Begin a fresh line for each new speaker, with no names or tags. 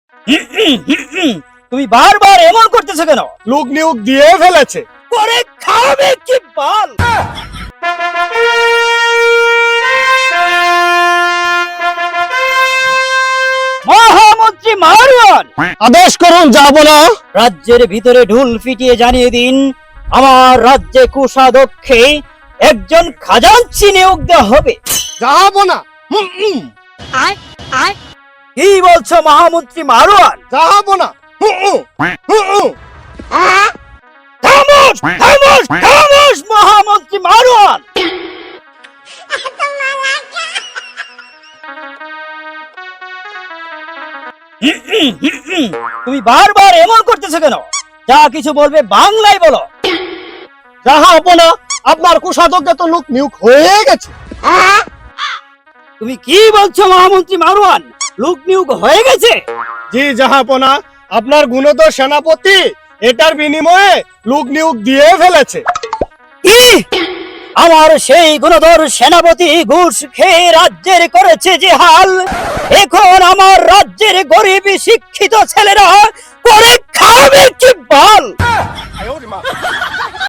তুমি বারবার এমন করতেছো কেন?
লোক নিয়োগ দিয়ে ফেলেছে।
করে খাবে কি বাল? মহামন্ত্রী মারওয়ান,
আদেশ করুন, যাবো না।
রাজ্যের ভিতরে ঢুল পিটিয়ে জানিয়ে দিন আমার রাজ্যে কোষাধ্যক্ষে একজন খাজাঞ্চি নিয়োগ দেওয়া হবে।
যাবো না।
কি বলছো মহামন্ত্রী মারওয়ান?
যাবো না।
খামোশ খামোশ খামোশ মহামন্ত্রী মারওয়ান। তুমি বারবার এমন করতেছো কেন? যা কিছু বলবে বাংলায় বলো।
যাবো না, আপনার কোষাধ্যক্ষে তো লোক নিয়োগ হয়ে গেছে।
তুমি কি বলছো মহামন্ত্রী মারওয়ান? লোক নিয়োগ হয়ে গেছে?
জি জাহাপনা, আপনার গুণধর সেনাপতি এটার বিনিময়ে লোক নিয়োগ দিয়ে ফেলেছে।
কি? আমার সেই গুণধর সেনাপতি ঘুষ খেয়ে রাজ্যের করেছে যে হাল, এখন আমার রাজ্যের গরিব শিক্ষিত ছেলেরা করে খাবে কি বল?